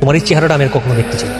তোমার এই চেহারাটা আমি আর কখনো দেখতে চাই না।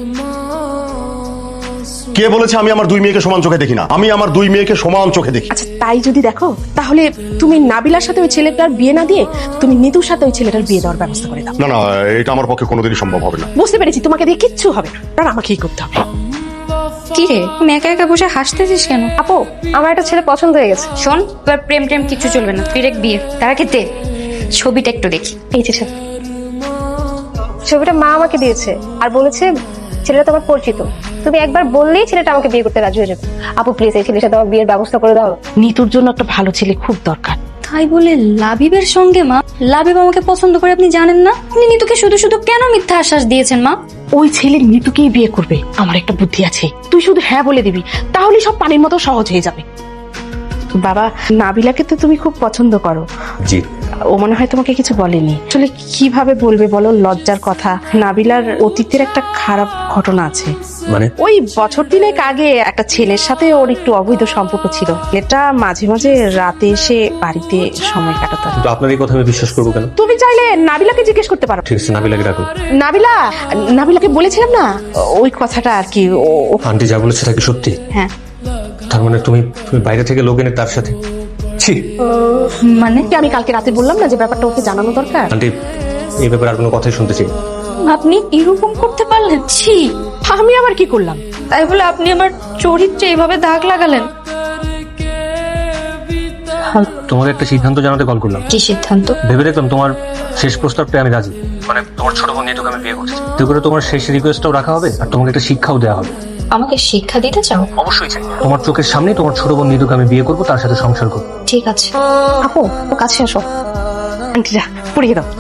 কে বলেছে আমি আমার দুই মেয়েকে সমান চোখে দেখি না? আমি আমার দুই মেয়েকে সমান চোখে দেখি। আচ্ছা তাই যদি দেখো তাহলে তুমি নাবিলার সাথে ওই ছেলেটার বিয়ে না দিয়ে তুমি নিতুর সাথে ওই ছেলেটার বিয়ে দেওয়ার ব্যবস্থা করে দাও। না না, এটা আমার পক্ষে কোনোদিনই সম্ভব হবে না। বুঝতে পেরেছি তোমাকে দিয়ে কিচ্ছু হবে না, আর আমাকেই করতে হবে। কি রে তুমি একা একা বসে হাসতেছিস কেন? আপু আমার একটা ছেলে পছন্দ হয়ে গেছে। শোন, তোর প্রেম টেম কিছু চলবে না, ডিরেক্ট বিয়ে। তার আগে দে ছবিটা একটু দেখি। এই যে ছবিটা মা আমাকে দিয়েছে আর বলেছে ছেলেটা তোমার পরিচিত, তুমি একবার বললেই ছেলেটা আমাকে বিয়ে করতে রাজি হয়ে যাবে। আপু প্লিজ এই ছেলের সাথে আমার বিয়ের ব্যবস্থা করে দাও। নিতুর জন্য একটা ভালো ছেলে খুব দরকার। তাই বলে লাবিবের সঙ্গে? মা, লাবিব আমাকে পছন্দ করে আপনি জানেন না? আপনি নিতুকে শুধু শুধু কেন মিথ্যা আশ্বাস দিয়েছেন মা? ওই ছেলে নিতুকেই বিয়ে করবে। আমার একটা বুদ্ধি আছে, তুই শুধু হ্যাঁ বলে দিবি, তাহলে সব পানির মতো সহজ হয়ে যাবে। বাবা, নাবিলাকে তো তুমি খুব পছন্দ করো। জি। ও মনে হয় তোমাকে কিছু বলেনি। আসলে কিভাবে বলবে বলো, লজ্জার কথা। নাবিলার অতীতের একটা খারাপ ঘটনা আছে। মানে? ওই বছর দিনেক আগে একটা ছেলের সাথে ওর একটু অবৈধ সম্পর্ক ছিল। এটা মাঝে মাঝে রাতে এসে বাড়িতে সময় কাটাতো। কিন্তু আপনার এই কথা আমি বিশ্বাস করবো কেন? তুমি চাইলে নাবিলাকে জিজ্ঞেস করতে পারো। ঠিক আছে, নাবিলাকে ডাকুন। নাবিলাকে বলেছিলাম না ওই কথাটা আর কি। আন্টি যা বলেছে তা কি সত্যি? হ্যাঁ। তার মানে তুমি বাইরে থেকে লোক এনে তার সাথে? ছি। মানে আমি কালকে রাতে বললাম না যে ব্যাপারটা ওকে জানানো দরকার। আন্টি এই ব্যাপারে আর কোনো কথাই শুনতে চাই না। আপনি এরকম করতে পারলেন? ছি। আমি আবার কি করলাম? তাই বলে আপনি আমার চরিত্রে এইভাবে দাগ লাগালেন? তোমাকে একটা সিদ্ধান্ত জানাতে কল করলাম। কি সিদ্ধান্ত? ভেবে দেখলাম তোমার শেষ প্রস্তাবটা আমি রাজি। মানে তোমার ছোট বোন নিতুকে আমি বিয়ে করছি। তুই করে তোমার শেষ রিকোয়েস্টটাও রাখা হবে আর তোমাকে একটা শিক্ষাও দেওয়া হবে। আমাকে শিক্ষা দিতে চাও? অবশ্যই চাই। তোমার চোখের সামনে তোমার ছোট বোন নিতুকে আমি বিয়ে করবো, তার সাথে সংসার করবো। ঠিক আছে। আপু ও কাছে আসো। আন্টিরা পড়িয়ে দাও।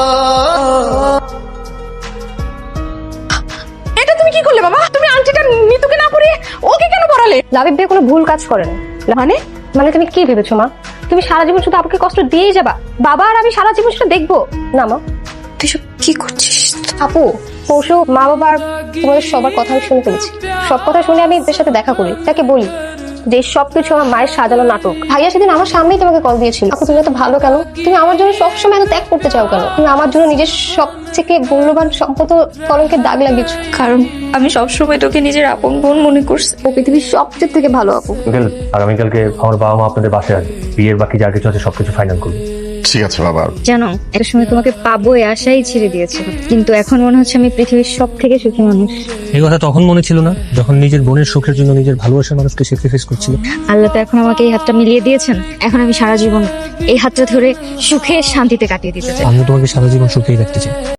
এটা তুমি কি করলে বাবা? তুমি আন্টিটা নিতুকে না পড়িয়ে ওকে কেন পড়ালে? লাবিব ভাই কোনো ভুল কাজ করেন। মানে মানে তুমি কি ভেবেছো মা? তুমি সারা জীবন শুধু আপুকে কষ্ট দিয়েই যাবা? বাবা আর আমি সারা জীবন সেটা দেখবো না মা? তুই সব কি করছিস? আপু পরশু মা বাবার তোমাদের সবার কথা আমি শুনে ফেলেছি। সব কথা শুনে আমি এদের সাথে দেখা করি, তাকে বলি যে সবকিছু আমার মায়ের সাজানো নাটক। ভাইয়া সেদিন আমার সামনেই তোমাকে কল দিয়েছিল। আপু তুমি এত ভালো কেন? তুমি আমার জন্য সবসময় এত ত্যাগ করতে চাও কেন? তুমি আমার জন্য নিজের সব থেকে মূল্যবান সম্পদ কলঙ্কের দাগ লাগিয়েছো। কারণ আমি সবসময় তোকে নিজের আপন বোন মনে করছি। ও পৃথিবীর সবচেয়ে থেকে ভালো আপু। আগামীকালকে আমার বাবা মা আপনাদের বাসায় আসবে। বিয়ের বাকি যা কিছু আছে সবকিছু ফাইনাল করবে। ঠিক আছে বাবা। জানো একটা সময় তোমাকে পাবো এই আশাই ছেড়ে দিয়েছে, কিন্তু এখন মনে হচ্ছে আমি পৃথিবীর সব থেকে সুখী মানুষ। এই কথা তখন মনে ছিল না যখন নিজের বোনের সুখের জন্য নিজের ভালোবাসার মানুষকে স্যাক্রিফাইস করছিল। আল্লাহ তো এখন আমাকে এই হাতটা মিলিয়ে দিয়েছেন। এখন আমি সারা জীবন এই হাতটা ধরে সুখে শান্তিতে কাটিয়ে দিতে চাই। আমি তোমাকে সারা জীবন সুখেই রাখতে চাই।